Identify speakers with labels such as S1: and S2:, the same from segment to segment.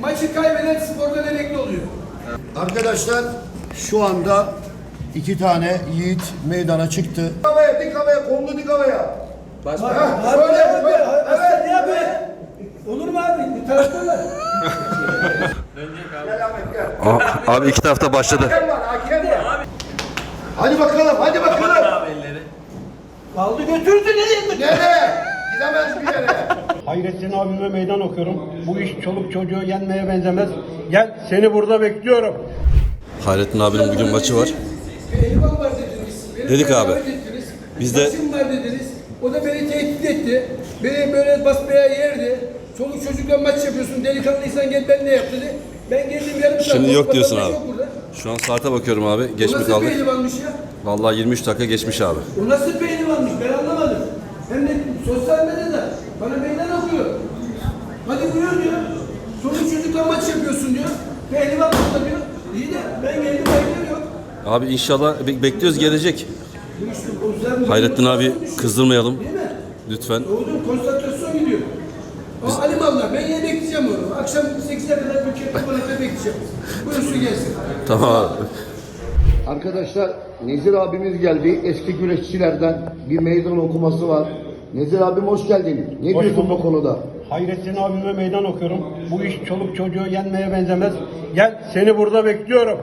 S1: Maçı kaybeden spordan emekli oluyor.
S2: Arkadaşlar şu anda 2 tane yiğit meydana çıktı. Dik havaya, dik havaya, kolunu dik havaya.
S1: Aslan ne yapıyor? Olur mu abi? Bir taraftarlar.
S3: Abi iki tarafta başladı.
S2: Hakem var. Hadi bakalım, hadi bakalım.
S1: Aldı götürdü nereye götürdü?
S2: Nereye? Gidemez bir yere.
S4: Hayrettin abime meydan okuyorum. Bu iş çoluk çocuğu yenmeye benzemez. Gel seni burada bekliyorum.
S3: Hayrettin abinin bugün maçı var.
S1: Pehlivan var dediniz. Beni
S3: Dedik
S1: böyle
S3: abi.
S1: davet ettiniz.
S3: Biz de-
S1: Maçım var dediniz. O da beni tehdit etti. Beni böyle basmaya yerdi. Çoluk çocukla maç yapıyorsun. Delikanlıysan gel ben ne yap dedi. Ben geldim yarım saat.
S3: Şimdi yok diyorsun
S1: vatandaş
S3: abi.
S1: yok burada.
S3: Şu an saate bakıyorum abi. Geç
S1: O
S3: mi
S1: nasıl
S3: kaldık?
S1: pehlivanmış ya?
S3: Vallahi 23 dakika geçmiş abi.
S1: O nasıl pehlivanmış ben anlamadım. Hem de sosyal medyada bana meydan okuyor. Hadi buyur diyor. Çoluk çocukla maç yapıyorsun diyor. Pehlivan burada diyor. İyi de ben geldim hayır yok.
S3: Abi inşallah bekliyoruz, gelecek. Hayrettin abi kızdırmayalım.
S1: Değil mi?
S3: Lütfen.
S1: Doğru, konsantrasyon gidiyor. Biz... Alimallah, ben yine bekleyeceğim onu. Akşam 8'e kadar bir kere kapanakta bekleyeceğim. Buyursun gelsin.
S3: Tamam abi.
S2: Arkadaşlar Nezir abimiz geldi. Eski güreşçilerden bir meydan okuması var. Nezir abim hoş geldin. Ne
S4: Hoş
S2: diyorsun bu
S4: bulduk.
S2: konuda?
S4: Hayrettin abime meydan okuyorum. Bu iş çoluk çocuğu yenmeye benzemez. Gel seni burada bekliyorum.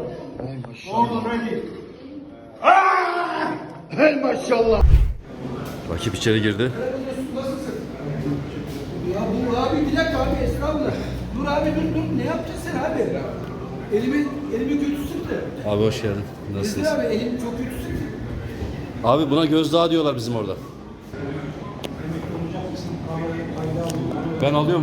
S2: Hey maşallah.
S3: Rakip içeri girdi.
S1: Nasılsın? Ya bu abi bir dakika abi estağfurullah. Dur abi dur ne yapacaksın sen abi? Elimi kötü sıktı.
S3: Abi hoş geldin.
S1: Ezgi
S3: Nasılsınız?
S1: abi elim çok kötü sıktı.
S3: Abi buna gözdağı diyorlar bizim orada. Ben alıyorum.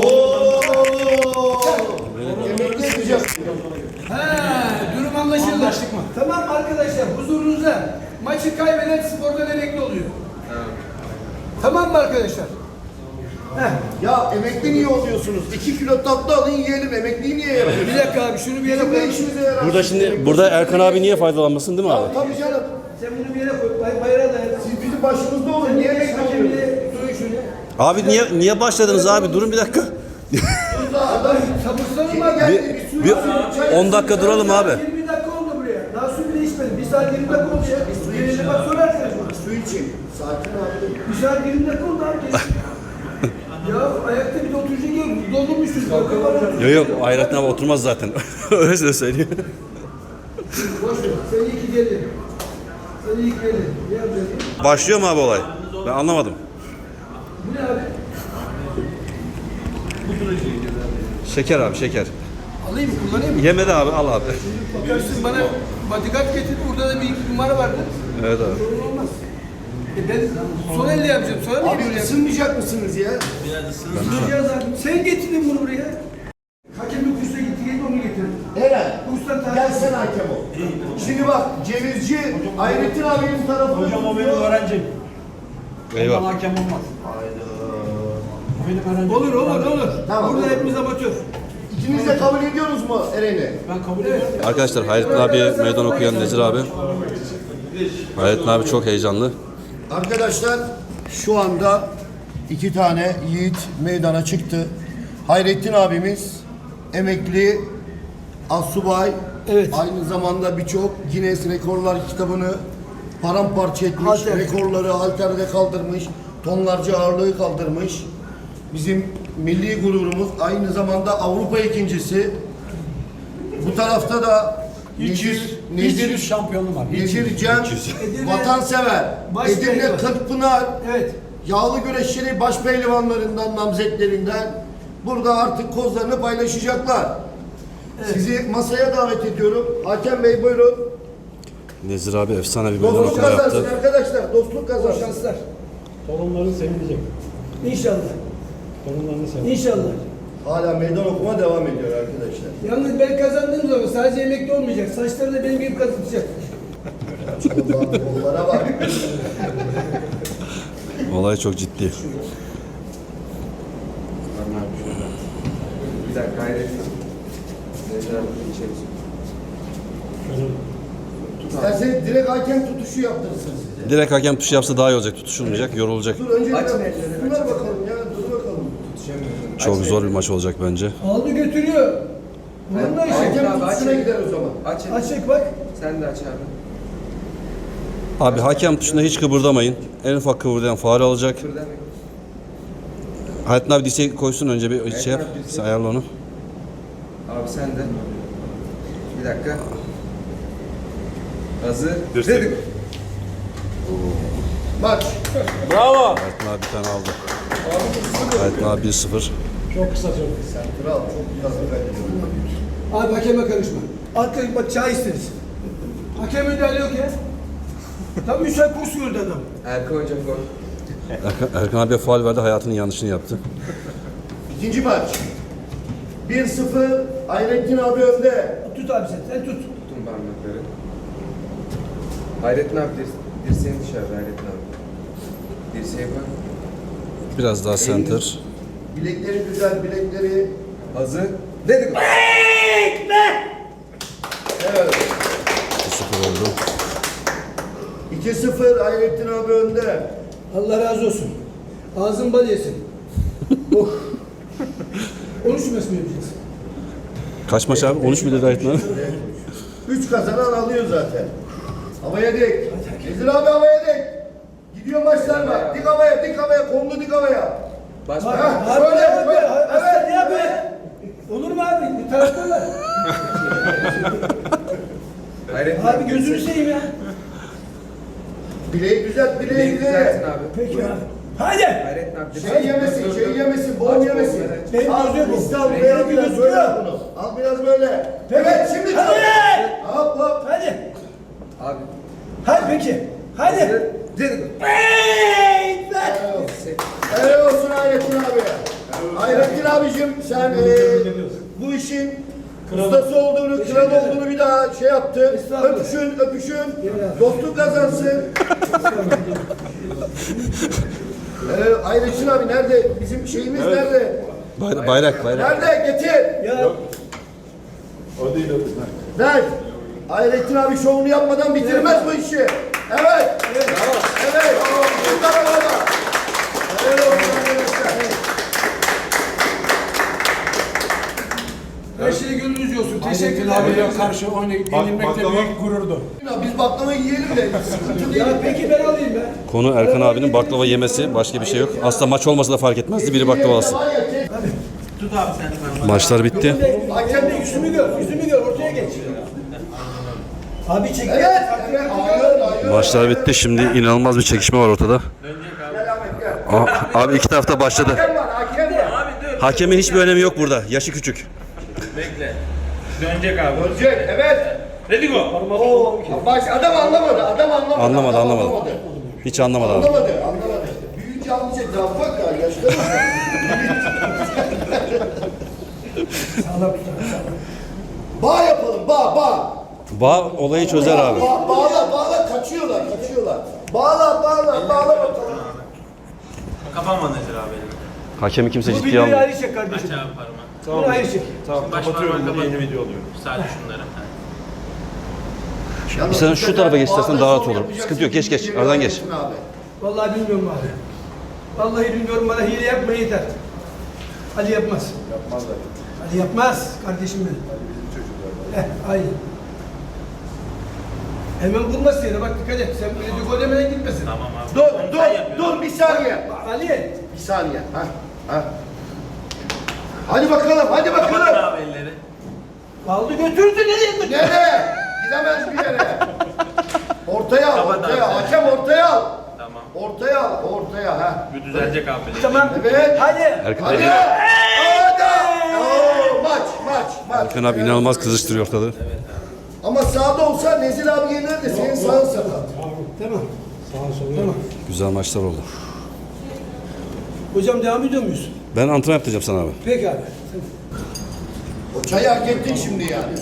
S2: Emekli edeceğiz.
S1: Durum anlaşıldı. Anlaştık mı? Tamam arkadaşlar huzurunuzda maçı kaybeden spordan emekli oluyor. Tamam mı arkadaşlar?
S2: Ya emekli niye oluyorsunuz? 2 kilo tatlı alın yiyelim. Emekliyi niye yapıyorsunuz?
S1: Bir dakika abi şunu bir yere
S2: Bizim ne
S1: koy.
S2: işimize yarar?
S3: Burada şimdi Erkan abi niye faydalanmasın değil mi abi?
S2: Tabii canım.
S1: Sen bunu bir yere koy. Bayrağı da yap.
S2: Siz bizim başımızda olun. Niye emekli oluyorsunuz?
S1: Hakemle durun şöyle.
S3: Abi niye başladınız abi? Durun bir dakika.
S1: Adam sabırsızlanın mı abi?
S3: Bir 10 dakika duralım abi.
S1: 20 dakika oldu buraya. Daha su bile içmedim. 1 saat 20 dakika oldu ya. Gelene bak sorarsınız bana.
S2: Su için. Sakin abi.
S1: 1 saat 20 dakika oldu abi. Ya ayakta bir de oturacak yer doldurmuşsunuz.
S3: Yok Hayrettin abi oturmaz zaten. Öyle de söyleyeyim.
S1: Boş ver. Sen iyi ki geldin. Sen iyi ki geldin. Ne yapacaksın?
S3: Başlıyor mu abi olay? Ben anlamadım.
S1: Bu ne abi?
S3: Şeker abi şeker.
S1: Alayım mı? Kullanayım mı?
S3: Yemedi abi al abi.
S1: Bakarsın bana bodyguard getirdi. Burada da bir numara vardı.
S3: Evet abi.
S1: Sorun olmaz. Ben son elle yapacağım. Sonra mı
S2: Abi
S1: geliyor?
S2: ısınmayacak mısınız ya?
S1: Isınacağız abi. Sen getirdin bunu buraya. Hakemlik kursuna gitti geldi onu getirdi.
S2: Eren.
S1: Kurstan
S2: Gel
S1: takip
S2: sen hakem ol. Şimdi bak Cevizci Hayrettin abinin tarafını
S4: Hocam o benim öğrencim.
S3: Eyvah.
S4: Ondan hakem olmaz. O benim öğrencim.
S1: Olur.
S2: Tamam,
S1: Burada
S2: olur.
S1: hepimiz amatör.
S2: İkiniz de kabul ediyorsunuz mu Eren'i?
S4: Ben kabul ediyorum.
S3: Arkadaşlar Hayrettin abiye meydan okuyan Nezir abi. Hayrettin abi çok heyecanlı.
S2: Arkadaşlar şu anda 2 tane yiğit meydana çıktı. Hayrettin abimiz emekli asubay.
S1: Evet.
S2: Aynı zamanda birçok Guinness Rekorlar kitabını paramparça etmiş.
S1: Halter.
S2: Rekorları halterde kaldırmış. Tonlarca ağırlığı kaldırmış. Bizim milli gururumuz, aynı zamanda Avrupa ikincisi. Bu tarafta da Nezir
S4: şampiyonluğum var.
S2: Nezir Cem, vatansever,
S1: Başpehlivan.
S2: Edirne Kırkpınar,
S1: Evet.
S2: yağlı güreşçileri baş pehlivanlarından, namzetlerinden burada artık kozlarını paylaşacaklar. Sizi masaya davet ediyorum. Hakem Bey buyurun.
S3: Nezir abi efsane bir meydan
S2: Dostluk
S3: okuma
S2: kazansın
S3: yaptı.
S2: arkadaşlar, dostluk
S1: Bol
S2: kazansın.
S1: şanslar.
S4: Torunların sevinecek.
S1: İnşallah.
S4: Torunlarını sevinecek.
S1: İnşallah.
S2: Hala meydan okuma devam ediyor arkadaşlar.
S1: Yalnız ben kazandığım zaman sadece emekli olmayacak. Saçları da benim gibi kazıtacak.
S2: Kollara bak.
S3: Olay çok ciddi.
S5: Bir dakika Hayrettin.
S2: İsterseniz direkt hakem tutuşu yaptırsın size.
S3: Direkt hakem tuşu yapsa daha iyi olacak. Tutuşulmayacak, yorulacak.
S2: Dur önce bir tutsunlar bakalım ya, dur bakalım.
S3: Çok zor bir maç olacak bence.
S1: Aldı götürüyor. Bunun da işi.
S2: Hakem tutusuna gider o zaman.
S1: Açık bak.
S5: Sen de aç abi.
S3: Abi hakem tuşuna hiç kıpırdamayın. En ufak kıpırdayan faul alacak.
S5: Şuradan
S3: Hayrettin abi dirseği koysun önce bir şey yap. Sen ayarla onu.
S5: abi sen de. Bir dakika. Hazır. Dedik.
S2: Maç.
S3: Hayrettin abi bir tane aldı. Hayrettin abi 1-0.
S1: Çok kısa çok.
S2: Kral çok yazık bence.
S1: Abi hakeme karışma. Artık bak çay isteriz. Hakem müdahale yok ya. Tam müsait kurs gördü adam.
S5: Erkan hocam gol.
S3: Erkan abiye faul verdi, hayatının yanlışını yaptı.
S2: İkinci maç. 1-0 Hayrettin abi önde.
S1: Tut abi sen tut.
S5: Tutun parmakları. Hayrettin abi dirseğin dışarıda Hayrettin abi. Dirseğe koy.
S3: Biraz daha center.
S2: Bilekleri güzel, bilekleri.
S5: Hazır. Dedik.
S2: Evet.
S3: 1-0 oldu.
S2: 2-0 Hayrettin abi önde.
S1: Allah razı olsun. Ağzın bal yesin. Oh. 13 mes mi yapacağız?
S3: Kaç maç abi? 13 mi dedi Hayrettin abi?
S2: 3 kazanan alıyor zaten. Havaya dik. Ezil abi havaya dik. Gidiyor maçlar bak. Dik havaya, dik havaya, kolunu dik havaya.
S5: Baş
S1: Abi,
S2: Ha,
S1: abi,
S2: şöyle,
S1: abi,
S2: şöyle.
S1: aslan
S2: Evet.
S1: ya be. Olur mu abi? Bir taraftarlar.
S5: Hayrettin
S1: Abi gözünü seveyim ya.
S2: Bileği düzelt, bileği
S5: Bileği düzeltin
S2: düzelt.
S5: abi.
S1: Peki abi. Haydi.
S5: Hayrettin abi.
S2: Şey yemesin, bol yemesin.
S1: Benim
S2: Al
S1: gözüm bu.
S2: İstanbul,
S1: Benim
S2: biraz
S1: gözüm
S2: böyle
S1: bu.
S2: al bunu. Al biraz böyle. Evet, şimdi çok.
S1: Hadi.
S2: Hop hop.
S1: Hadi.
S5: Abi.
S1: Hadi peki.
S5: Hazır.
S1: Hadi.
S5: Dedik.
S1: Hey!
S2: Helal olsun Hayrettin abi. Hayrettin abicim sen bu işin ustası olduğunu, kral olduğunu bir daha şey yaptı.
S1: Estağfurullah.
S2: Öpüşün, öpüşün. Dostluk kazansın. Hayrettin abi nerede? Bizim şeyimiz nerede?
S3: Bayrak.
S2: Nerede? Getir.
S1: Ya
S2: Ver. Hayrettin abi şovunu yapmadan bitirmez bu işi. Evet. Evet. Evet. Bu tarafa da. Helal olsun arkadaşlar.
S1: her şey gönlünüzce olsun. Teşekkürler.
S4: Abiye karşı oynayıp yenilmek de büyük gururdu.
S2: Biz baklava yiyelim de sıkıntı değil.
S1: Ya peki ben alayım ben.
S3: Konu Erkan abinin baklava yemesi. Başka bir şey yok. Aslında maç olmasa da fark etmezdi. Biri baklava alsın. Maçlar bitti.
S1: Hakem de yüzümü gör. Yüzümü gör. Ortaya geç. Abi çek.
S2: Evet. Ayıyor.
S3: Maçlar bitti. Şimdi inanılmaz bir çekişme var ortada. Abi iki tarafta başladı.
S2: Hakem var, hakem var.
S3: Hakemin hiçbir önemi yok burada. Yaşı küçük.
S6: Bekle. Dönecek abi.
S2: Dönecek, evet.
S6: Ready go.
S2: Oo, adam anlamadı, adam anlamadı.
S3: Anlamadı. Hiç anlamadı abi.
S2: Anlamadı. Büyüyünce anlayacak, daha ufak ya, yaşlı mı? Bağ yapalım, bağ.
S3: Bağ olayı çözer abi.
S2: Bağla, kaçıyorlar. Bağla bakalım.
S6: Kafam banajır abi benim.
S3: Hakemi kimse
S1: Bu
S3: ciddiye
S1: videoyu
S3: almıyor.
S1: ayrı çek kardeşim.
S6: Aç abi parmağı.
S1: Bunu ayrı çek.
S6: Baş parmağı kapat. Yeni video oluyor. Sadece şunları.
S3: Sen şu tarafa geç istersen daha rahat olur. Sıkıntı yok. Geç. Aradan geç.
S1: Vallahi bilmiyorum abi. Vallahi bilmiyorum. Bana hile yapma yeter. Ali yapmaz. Ali yapmaz kardeşim benim. Aynen. Hemen vurmasın yere bak dikkat et. Sen böyle bir gol yemeden gitmesin.
S6: Tamam abi.
S2: Dur bir saniye.
S1: Ali.
S2: Bir saniye. Ha. Hadi bakalım.
S6: Kapatın abi elleri.
S1: Aldı götürdü nereye götürdü?
S2: Nereye? Gidemez bir yere. Ortaya al,
S6: Kapat
S2: ortaya.
S6: abi.
S2: Hakem ortaya al.
S6: Tamam.
S2: Ortaya ha.
S6: Bu düzelecek abi.
S1: Tamam.
S2: Evet.
S1: Hadi.
S3: Erkan
S2: Hadi.
S3: abi,
S2: Maç.
S3: Erkan abi inanılmaz kızıştırıyor ortalığı.
S2: Ama sağda olsa Nezil abi gelir de senin sağın sakat.
S1: Tamam. Tamam.
S3: Güzel maçlar oldu.
S1: Hocam devam ediyor muyuz?
S3: Ben antrenman yapacağım sana abi.
S1: Peki abi.
S2: O çayı hak ettin şimdi yani.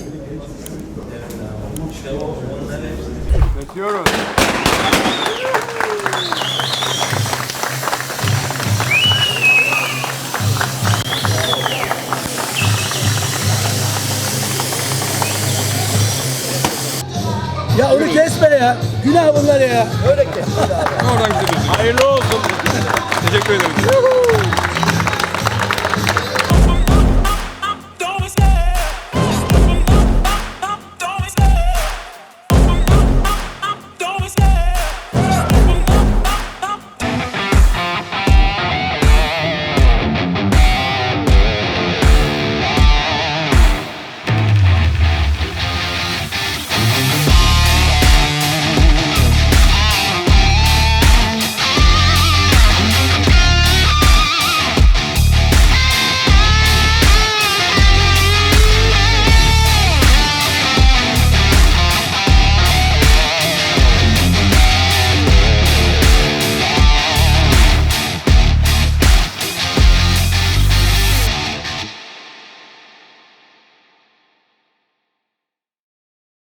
S1: Ya onu kesme ya. Günah bunlar ya.
S2: Öyle kes.
S6: Hayırlı olsun. Teşekkür ederim.